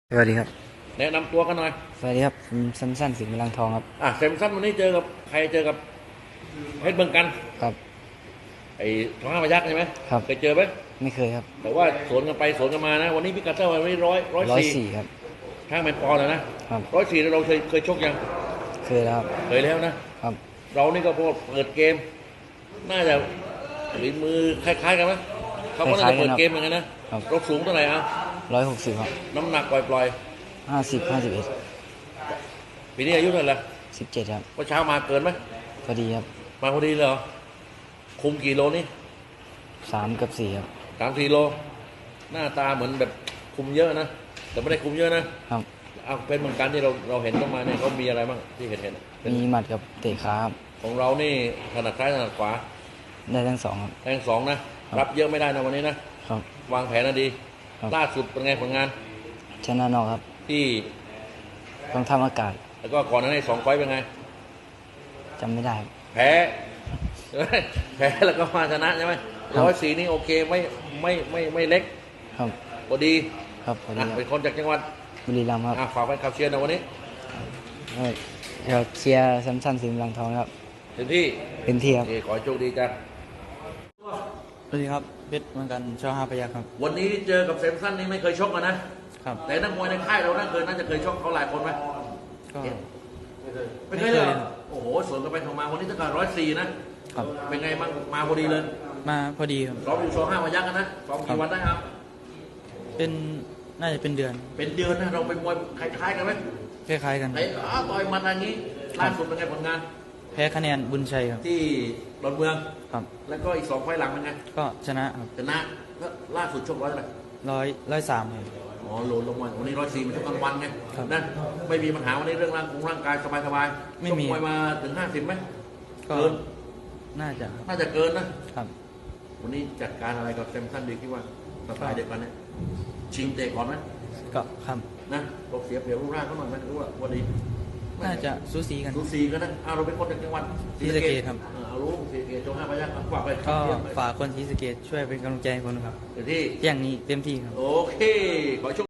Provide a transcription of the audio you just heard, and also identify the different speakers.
Speaker 1: สวัสดีครับ
Speaker 2: แนะนำตัวกันหน่อย
Speaker 1: สวัสดีครับผมสั้นสิงห์พลังทองครับ
Speaker 2: เซมสันวันนี้เจอกับใครเจอกับเพชรเมืองกัน
Speaker 1: ครับ
Speaker 2: ไอ้ท้องห้าพยัคฆ์ใช่ไหม
Speaker 1: ครับ
Speaker 2: เคยเจอไหม
Speaker 1: ไม่เคยครับ
Speaker 2: แต่ว่าสวนกันไปสวนกันมานะวันนี้พิกัดเท่าไหร่วันนี้104
Speaker 1: 104ครับ
Speaker 2: ข้างแมนปอนด์นะครับ104เราเคยชกยัง
Speaker 1: เคยแล้วครับ
Speaker 2: เคยแล้วนะครับเรานี่ก็พอเปิดเกมน่าจะฝีมือคล้ายๆกันไหมเขาก็น่าจะเปิดเกมเหมือนกันนะครับเราสูงเท่าไหร่
Speaker 1: 160ครับ
Speaker 2: น้ำหนักปล่อย
Speaker 1: 50 51
Speaker 2: ปีนี้อายุเท่าไหร่ละ
Speaker 1: 17ครับ
Speaker 2: ว่าเช้ามาเกินไหม
Speaker 1: พอดีครับ
Speaker 2: มาพอดีเลยเหรอคุมกี่โลนี่
Speaker 1: 3กับ4ครับ
Speaker 2: 3-4 โลหน้าตาเหมือนแบบคุมเยอะนะแต่ไม่ได้คุมเยอะนะครับเอาเป็นเหมือนกันที่เราเห็นต้องมาเนี่ยเขามีอะไรบ้างที่เห็น
Speaker 1: มีหมัดกับเตะขาครับ
Speaker 2: ของเรานี่ถนัดซ้ายถนัดขวา
Speaker 1: ได้ทั้งสองครับ
Speaker 2: ทั้งสองนะครับเยอะไม่ได้นะวันนี้นะครับวางแผนนะดี
Speaker 1: ครับ
Speaker 2: ล่าสุดเป็นไงผลงาน
Speaker 1: ชนะนอกครับ
Speaker 2: ที่
Speaker 1: ต้องทำอากาศ
Speaker 2: แล้วก็ก่อนหน้านี้2 ไฟต์เป็นไง
Speaker 1: จำไม่ได้ครับ
Speaker 2: แพ้ใช่ไหมแพ้แล้วก็มาชนะใช่ไหม104นี่โอเคไม่เล็ก
Speaker 1: ครับ
Speaker 2: พอดี
Speaker 1: ครับพอดี
Speaker 2: เป็นคนจากจังหวัด
Speaker 1: บุรีรัมย์ครับ
Speaker 2: ฝากแฟนคลับเชียร์นะวันนี้
Speaker 1: เราเชียร์สั้นสิงห์พลังทองครับ
Speaker 2: เต็มที่
Speaker 1: ครับ
Speaker 2: ขอให้โชคดีจ้ะ
Speaker 1: สวัสดีครับเพชรเหมือนกันช5 พยัคฆ์ครับ
Speaker 2: วันนี้เจอกับเซมสันนี่ไม่เคยชกกันนะครับแต่นักมวยในค่ายเราน่าจะเคยชกเขาหลายคนไหม
Speaker 1: ก็
Speaker 2: ไม่เคยเลยโอ้โหสวนกันไปทำมาวันนี้ตั้งแต่104นะครับเป็นไงบ้างมาพอดีเลย
Speaker 1: มาพอดีครับ
Speaker 2: ซ้อมอยู่2 5 พยัคฆ์กันนะซ้อมกี่วันได้ครับ
Speaker 1: น่าจะเป็นเดือน
Speaker 2: นะเราเป็นมวยคล้ายๆกันไหม
Speaker 1: คล้ายๆกัน
Speaker 2: ไอ้ต่อยมันทางนี้ล่าสุดเป็นไงผลงาน
Speaker 1: แพ้คะแนนบุญชัยครับ
Speaker 2: ที่ดอนเมือง
Speaker 1: ครับ
Speaker 2: แล้วก็อีก2 ไฟล์หลังเป็นไง
Speaker 1: ก็ชนะครับ
Speaker 2: ชนะแล้วล่าสุดชก100 เท่าไหร่
Speaker 1: 103ครับ
Speaker 2: อ๋อโหลดลงมาวันนี้104มันชกกลางวันไงนะไม่มีปัญหาวันนี้เรื่องร่างกายสบายๆ
Speaker 1: ไม่มี
Speaker 2: มวยมาถึง50ไหม
Speaker 1: เกินน่าจะ
Speaker 2: เกินนะครับวันนี้จัดการอะไรกับเซมสันดีคิดว่าสไตล์เด็กกันเนี่ยชิงเตะก่อนไหม
Speaker 1: ก็ครับ
Speaker 2: นะเราเสียเปรียบรูปร่างเขาหน่อยไหมหรือว่าดี
Speaker 1: น่าจะสูสีกัน
Speaker 2: นะเราเป็นคนจากจังหวัด
Speaker 1: ศรีสะเกษครับ
Speaker 2: เอารู้ศรีสะเกษจง5 พยัคฆ์ฝากไป
Speaker 1: ก็ฝากคนศรีสะเกษช่วยเป็นกำลังใจให้คนครับ
Speaker 2: ที่
Speaker 1: อย่างนี้เต็มที่ครับ
Speaker 2: โอเคขอโชค